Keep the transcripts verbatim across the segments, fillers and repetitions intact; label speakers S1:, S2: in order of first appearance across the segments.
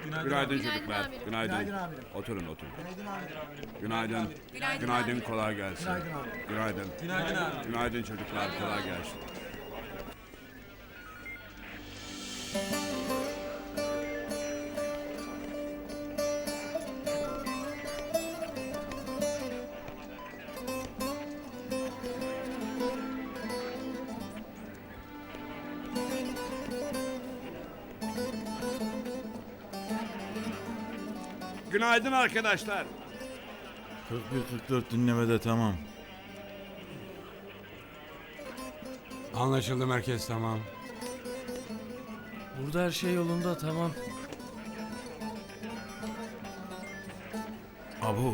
S1: Günaydın
S2: Günaydın
S1: çocuklar.
S2: amirim.
S1: Günaydın.
S3: Günaydın amirim.
S1: Oturun oturun.
S3: Günaydın amirim.
S1: Günaydın.
S2: Günaydın
S1: Günaydın
S2: amirim.
S1: kolay gelsin.
S3: Günaydın amirim.
S1: Günaydın.
S3: Günaydın abi.
S1: Günaydın çocuklar kolay gelsin. Günaydın arkadaşlar.
S4: kırk bir kırk dört dinlemede tamam.
S5: Anlaşıldı merkez tamam.
S6: Burada her şey yolunda, tamam.
S4: Abu.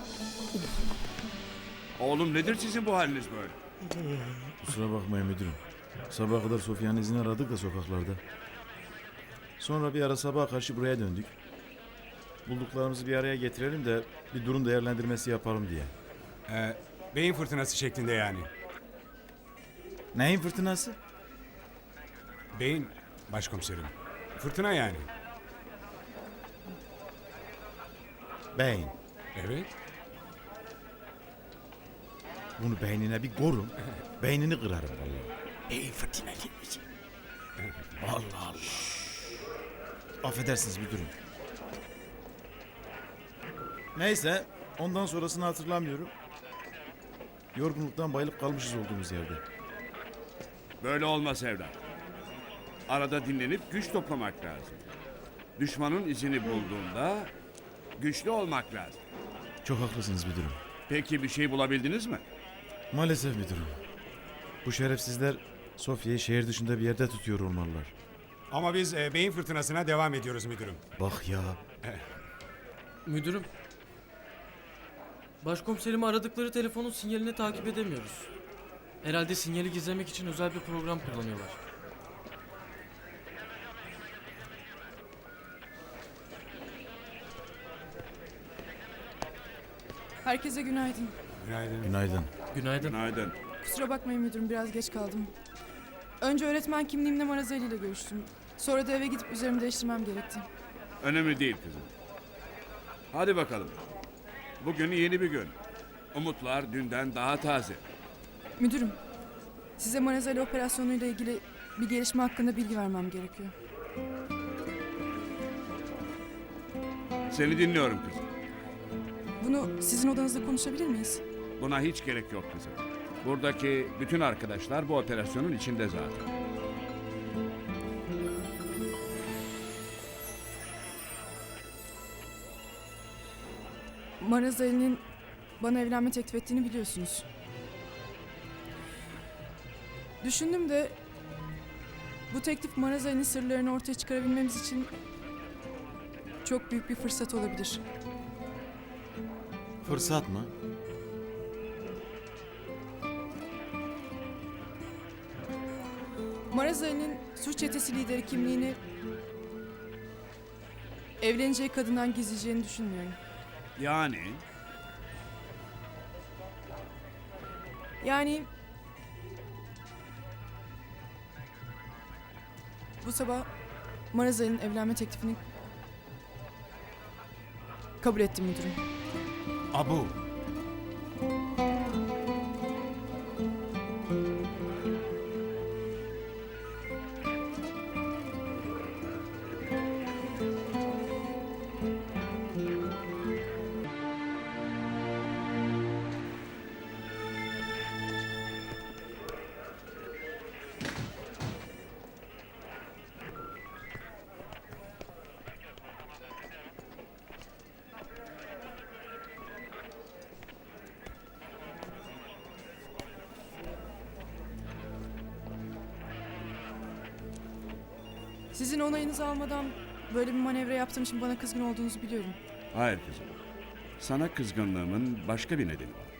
S1: Oğlum nedir sizin bu haliniz böyle?
S4: Kusura bakmayın müdürüm. Sabaha kadar Sofya'nın izini aradık da sokaklarda. Sonra bir ara sabaha karşı buraya döndük. Bulduklarımızı bir araya getirelim de bir durum değerlendirmesi yapalım diye.
S5: Ee, beyin fırtınası şeklinde yani.
S4: Neyin fırtınası?
S5: Beyin başkomiserim. Fırtına yani.
S4: Beyin.
S5: Evet.
S4: Bunu beynine bir korun. Beynini kırarım vallahi. Beyin fırtına gelmeyecek. Allah Allah. Affedersiniz müdürüm. Neyse, ondan sonrasını hatırlamıyorum. Yorgunluktan bayılıp kalmışız olduğumuz yerde.
S1: Böyle olmaz evlat. Arada dinlenip güç toplamak lazım. Düşmanın izini bulduğunda güçlü olmak lazım.
S4: Çok haklısınız müdürüm.
S1: Peki bir şey bulabildiniz mi?
S4: Maalesef müdürüm. Bu şerefsizler Sofya'yı şehir dışında bir yerde tutuyor olmalılar.
S5: Ama biz e, beyin fırtınasına devam ediyoruz müdürüm.
S4: Bak ya.
S6: Müdürüm. Başkomiserimi aradıkları telefonun sinyalini takip edemiyoruz. Herhalde sinyali gizlemek için özel bir program kullanıyorlar.
S7: Herkese günaydın.
S5: Günaydın.
S4: Günaydın.
S6: Günaydın.
S1: Günaydın.
S7: Kusura bakmayın müdürüm, biraz geç kaldım. Önce öğretmen kimliğimle Marazeli ile görüştüm. Sonra da eve gidip üzerimi değiştirmem gerekti.
S1: Önemli değil kızım. Hadi bakalım. Bugün yeni bir gün. Umutlar dünden daha taze.
S7: Müdürüm, size Marazeli operasyonuyla ilgili bir gelişme hakkında bilgi vermem gerekiyor.
S1: Seni dinliyorum kızım.
S7: Bunu sizin odanızda konuşabilir miyiz?
S1: Buna hiç gerek yok kızım. Buradaki bütün arkadaşlar bu operasyonun içinde zaten.
S7: Marazeli'nin bana evlenme teklif ettiğini biliyorsunuz. Düşündüm de bu teklif Marazeli'nin sırlarını ortaya çıkarabilmemiz için çok büyük bir fırsat olabilir.
S4: Fırsat mı?
S7: Marazeli'nin suç çetesi lideri kimliğini evleneceği kadından gizleyeceğini düşünmüyorum.
S1: Yani
S7: Yani bu sabah Marazeli'nin evlenme teklifini kabul ettim müdürüm.
S4: Abu.
S7: Sizin onayınızı almadan böyle bir manevra yaptığım için bana kızgın olduğunuzu biliyorum.
S1: hayır kızım. Sana kızgınlığımın başka bir nedeni var.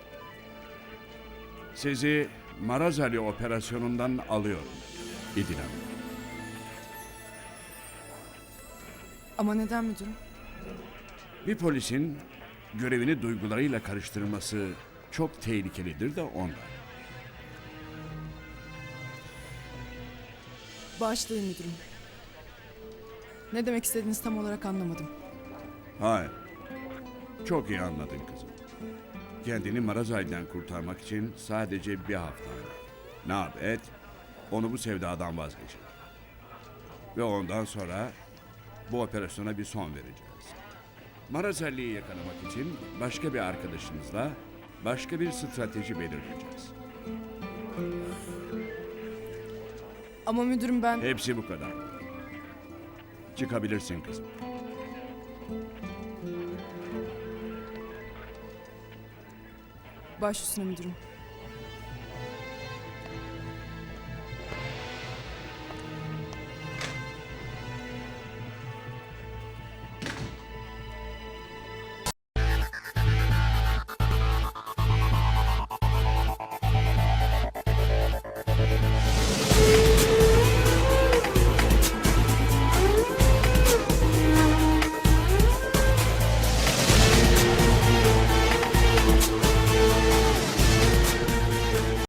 S1: Sizi Marazali operasyonundan alıyorum İdil Hanım.
S7: Ama neden müdürüm?
S1: Bir polisin görevini duygularıyla karıştırması çok tehlikelidir de ondan.
S7: Bağışlayın müdürüm. Ne demek istediğinizi tam olarak anlamadım.
S1: Hayır. Çok iyi anladın kızım. Kendini Marazay'dan kurtarmak için sadece bir hafta. Ne yap et, onu bu sevdadan vazgeçir. Ve ondan sonra bu operasyona bir son vereceğiz. Marazali'yi yakalamak için başka bir arkadaşınızla başka bir strateji belirleyeceğiz.
S7: Ama müdürüm ben...
S1: Hepsi bu kadar. Çıkabilirsin kızım.
S7: Baş üstüne müdürüm.